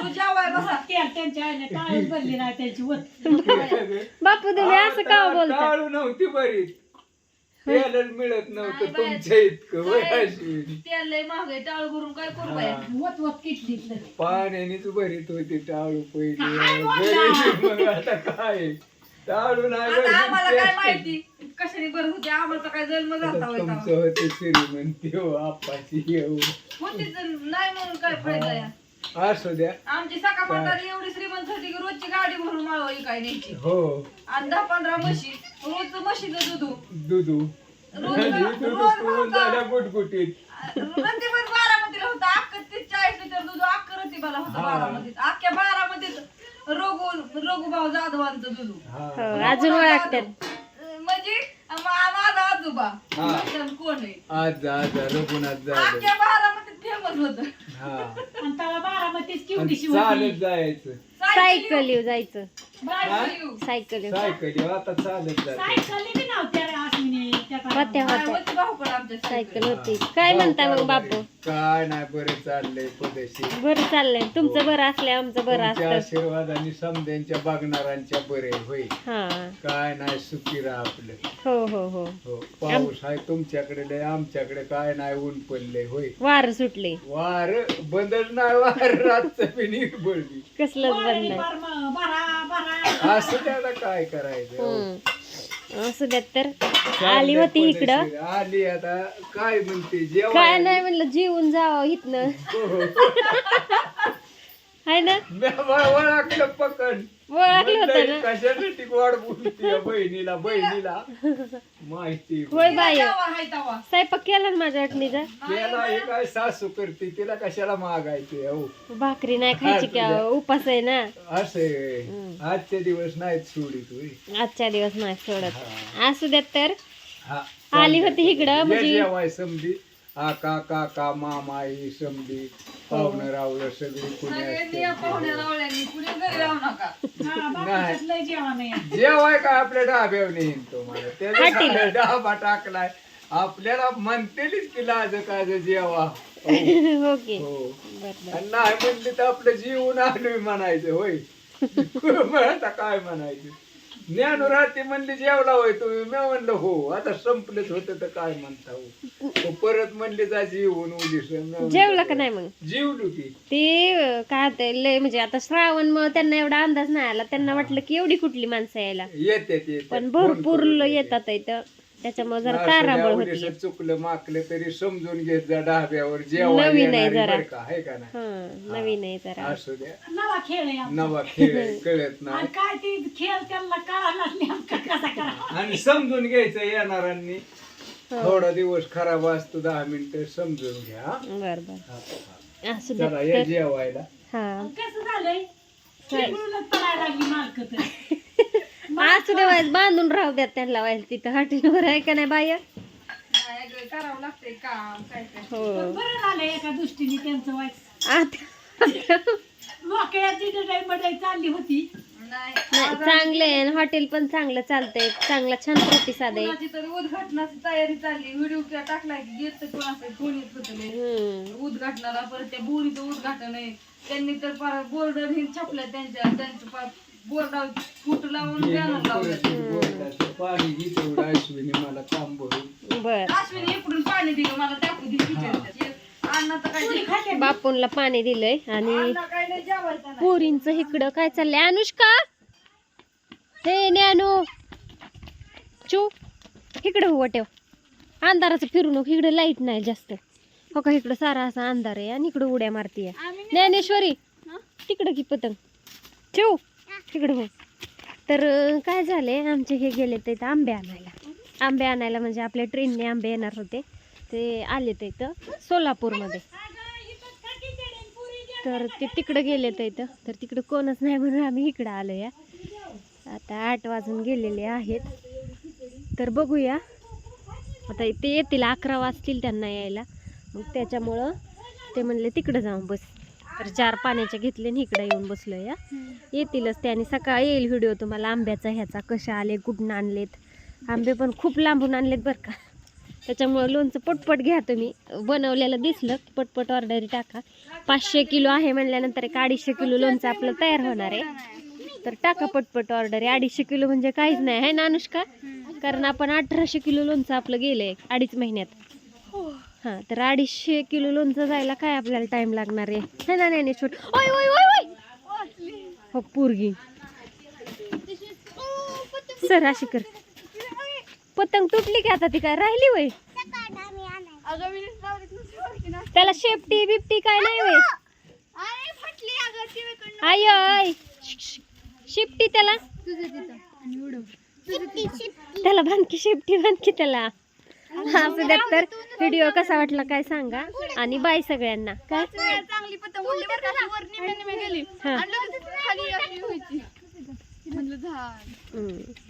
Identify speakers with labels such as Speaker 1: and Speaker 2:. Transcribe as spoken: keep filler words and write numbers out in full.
Speaker 1: त्यांच्या आईने टाळूच भरली नाही त्यांची वत.
Speaker 2: बापू तुम्ही असं का बोलता?
Speaker 3: टाळू नव्हती बरीच त्याला मिळत नव्हतं तुमच्या इतकं वय अश्विनी.
Speaker 4: टाळू भरून काय करू बाया?
Speaker 1: वत वत किटलीतलं.
Speaker 3: पाण्यानेच भरीत होती टाळू पहिली घरी. मग आता काय टाळू नाही
Speaker 4: आता आम्हाला काय
Speaker 3: भरली.
Speaker 4: माहिती कशाने भरत होते, आम्हाला तर काय जन्म
Speaker 3: आता
Speaker 4: झाला होता.
Speaker 3: तुमचं होते श्रीमंती हो आपाची येऊ
Speaker 4: होतीच नाही म्हणून काय फायदा या.
Speaker 3: असू द्या.
Speaker 4: आमची सका म्हातारी एवढी श्रीमंत होती की रोजची गाडी भरून माळवा काय न्यायची
Speaker 3: हो
Speaker 4: आणि दहा पंधरा म्हशी रोज म्हशीचं दूध
Speaker 3: दुधू
Speaker 4: रोज
Speaker 3: दुधू
Speaker 4: रोज
Speaker 3: पिऊन झाल्या गुटगुटीत.
Speaker 4: रतीभर बारामतीला होतं अख्खं ते चाळीस लिटर दूध अख्खं रतीबाला होतं
Speaker 3: हा.
Speaker 4: बारामतीत. अख्ख्या बारामतीत रघु रघुभाऊ जाधवांचं दूध.
Speaker 3: हा
Speaker 2: हो, अजून ओळखतात.
Speaker 4: म्हणजे मा- माझा आजोबा
Speaker 3: हा.
Speaker 4: म्हणतात कोण आहे
Speaker 3: आज आज रघुनाथ झालं.
Speaker 4: अख्ख्या बारामतीत फेमस होत.
Speaker 3: हा
Speaker 1: आणि त्याला बारामतीच
Speaker 3: आणि
Speaker 1: केवढीशी
Speaker 3: चालत
Speaker 1: होती.
Speaker 3: जायचं
Speaker 2: सायकल येऊ जायचं.
Speaker 4: सायकल
Speaker 2: सायकल येऊ
Speaker 3: सायकल आता चालत जायचं.
Speaker 1: सायकली बी नव्हत्या रे अश्विनी त्या
Speaker 2: होत्या
Speaker 1: काळात.
Speaker 2: होत्या
Speaker 4: भाऊकडे आमच्या
Speaker 2: सायकल होती. काय म्हणता मग बापू?
Speaker 3: काय नाही बरं चाललंय पदेशी.
Speaker 2: बरं चाललंय तुमचं बरं असले आमचं बरं
Speaker 3: तुमच्या
Speaker 2: असतं.
Speaker 3: आशीर्वादाने समद्यांच्या बघणाऱ्यांच्या बरे होय.
Speaker 2: हा
Speaker 3: काय नाही सुखी राहा आपलं.
Speaker 2: हो हो हो
Speaker 3: हो पाऊस आहे तुमच्याकडे लय आमच्याकडे काय नाही ऊन पडले होय.
Speaker 2: वार सुटले
Speaker 3: वार बंदच नाही वार रातचं बी नीट बळली
Speaker 2: कसलंच बंद
Speaker 1: वारली
Speaker 2: नाही.
Speaker 1: बार म- बारा बारा
Speaker 3: असं त्याला काय करायचं हो.
Speaker 2: हम्म. असू द्यात तर
Speaker 3: चाललंय
Speaker 2: आली होती इकडं.
Speaker 3: पद्धतशीर. आली आता काय म्हणते जेव्हा
Speaker 2: काय नाही म्हणलं जेवून जावं इथनं आहे ना.
Speaker 3: ओळखलं पकड
Speaker 2: ओळखलं होतं ना.
Speaker 3: कशासाठी वाढ बोलते बहिणीला बहिणीला माहिती
Speaker 2: होय बाय
Speaker 4: तवा हाय तवा.
Speaker 2: स्वयंपाक केला ना माझ्या वाटणीचा.
Speaker 3: त्याला हे काय सासू करते तिला कशाला मागायचे हो
Speaker 2: भाकरी नाही खायची का उपास आहे ना.
Speaker 3: असे आजचे दिवस नाहीत सोडित होय.
Speaker 2: आजच्या दिवस नाही सोडत.
Speaker 3: हा.
Speaker 2: असू द्यात तर
Speaker 3: हा.
Speaker 2: आली होती इकडं
Speaker 3: ये
Speaker 2: म्हणजे
Speaker 3: जेवाय समधी आका काका मामा ही समधी पाहुणं रावलं सगळी कुणी
Speaker 4: सगळ्यांनी या
Speaker 3: असते.
Speaker 4: पाहुण्या रावळ्यांनी कुणी घरी राहू नका.
Speaker 1: हा, बाकीच्यात लय जेवण आहे.
Speaker 3: जेवाय काय आपल्या डाब्यावर नेईन तुम्हाला त्याच्या डाबा टाकलाय आपल्याला म्हणतेच की लाज काज जेवा हो.
Speaker 2: हो की
Speaker 3: हो.
Speaker 2: बरं
Speaker 3: आणि नाही म्हणले तर आपलं जीवन आलोय म्हणायचं होय. मग आता काय म्हणायचं ज्ञानुराती म्हणली जेवला होय तुम्ही मी म्हणलं हो आता संपलेच होतं तर काय म्हणता हो. तो परत म्हणले जा जीवन उद्या
Speaker 2: जेवला का नाही मग?
Speaker 3: जीवलो की
Speaker 2: ते अं, काय होतंय लय म्हणजे आता श्रावण मग त्यांना एवढा अंदाज नाही आला. त्यांना वाटलं की एवढी कुठली माणसं यायला,
Speaker 3: येते ते
Speaker 2: पण भरपूर येतात इथं. त्याच्यामुळे जरा ताराबळ होती.
Speaker 3: चुकलं माकलं तरी समजून घेत जा डाब्यावर जेव्हा
Speaker 2: नवीन आहे जरा.
Speaker 3: का आहे का नाही
Speaker 2: हा नवीन आहे जरा.
Speaker 3: असू द्या
Speaker 1: नवा खेळ आहे आमचा.
Speaker 3: नवा खेळ आहे, कळत नाही
Speaker 1: आणि काय ते खेळ त्यांना कळाला नेमका कसा करा.
Speaker 3: आणि समजून घ्यायचं येणाऱ्यांनी.
Speaker 2: हो.
Speaker 3: थोडा दिवस खराब असतो दहा मिनिटं समजून घ्या हा?
Speaker 2: बर बर
Speaker 3: हा, हा.
Speaker 2: असू
Speaker 3: चला
Speaker 2: द्या
Speaker 3: या
Speaker 2: तर.
Speaker 3: जेवायला.
Speaker 2: हा
Speaker 1: कसं झालंय तिकडूनच पडायला लागली मालक तर.
Speaker 2: असू द्या वाईस बांधून राहू द्या त्यांना वाईस तिथं हॉटेलवर आहे का नाही बाया.
Speaker 4: नाही गं, करावं लागतंय काम काय काय.
Speaker 2: हो
Speaker 1: पण बरं झालं एका दृष्टीने त्यांचं वाईट.
Speaker 2: आता
Speaker 1: मोकळ्याची मडई चालली होती.
Speaker 4: नाही
Speaker 2: नाही चांगलं आहे हॉटेल पण चांगलं चालतंय. चांगला छान प्रतिसाद आहे.
Speaker 4: कोणाची तरी उद्घाटनाची तयारी चालली. व्हिडिओ टाकलाय की गेट तर कोणाचं कोणीच होतं
Speaker 2: हम्म
Speaker 4: उद्घाटनाला. परत त्या बोरीचं उद्घाटन आहे. त्यांनी तर फार बोर्ड हे छापलं त्यांच्या त्यांचं फार बोर्डावर फूट लावून बॅनर लावलं.
Speaker 3: बोलण्याचं पाणी घे तेवढं अश्विनी मला काम भरून.
Speaker 2: बर
Speaker 4: अश्विनी इकडून पाणी दिलं मला टाकू दिली. अण्णा तर काय
Speaker 2: बापूंला पाणी दिलंय आणि
Speaker 4: अण्णा काय नाही जेवायचं नाही.
Speaker 2: पोरींच इकडं काय चाललंय. अनुष्का हे ज्ञानू चू इकडं हो ठेव. अंधाराचं फिरू नको इकडे लाईट नाही जास्त. हो का इकडं सारा असा अंधार आहे आणि इकडं उड्या मारतीये ज्ञानेश्वरी. तिकडं की पतंग ठेव तिकडं हो. तर अं, काय झालंय आमचे हे गेले ते इथं आंबे आणायला. आंबे आणायला म्हणजे आपल्या ट्रेनने आंबे येणार होते ते आले ते इथं सोलापूरमध्ये. तर ते तिकडं गेले तर इथं तर तिकडं कोणच नाही म्हणून आम्ही इकडं आलो या. आता आठ वाजून गेलेले आहेत. तर बघूया आता ते येतील अकरा वाजतील त्यांना यायला. मग त्याच्यामुळं ते म्हणले तिकडं जाऊन बस. तर चार पाण्याच्या घेतले आणि इकडं येऊन बसलो या. येतीलच ते आणि सकाळी येईल व्हिडिओ तुम्हाला आंब्याचा ह्याचा कशा आले कुठून आणलेत. आंबे पण खूप लांबून आणलेत बरं का. त्याच्यामुळे लोणचं पटपट घ्या तुम्ही. बनवलेलं दिसलं की पटपट ऑर्डरी टाका. पाचशे किलो आहे म्हणल्यानंतर एक अडीचशे किलो लोणचं आपलं तयार होणार आहे. तर टाका पटपट ऑर्डर. अडीचशे किलो म्हणजे काहीच नाही आहे ना अनुष्का, कारण आपण अठराशे किलो लोणचं आपलं गेलंय अडीच महिन्यात. हां, तर अडीचशे किलो लोणचं जायला काय आपल्याला टाइम लागणार आहे है ना. नाही छोट ओय ओय ओय ओय हो पोरगी सर अशी कर. पतंग तुटली की आता ती काय राहिली वय. त्याला शेपटी बिपटी काय नाही वय. आय आय शिपटी त्याला त्याला बांधकी शेपटी बांधकी त्याला. असं द्या. तर व्हिडिओ कसा वाटला काय सांगा आणि बाय सगळ्यांना. काय
Speaker 4: चांगली पतंग उडली बरं का, वर निम्मे निम्मे गेली
Speaker 2: हा.
Speaker 4: आणि लगेच खाली अशी व्हायची. म्हणलं झाड
Speaker 2: हम्म.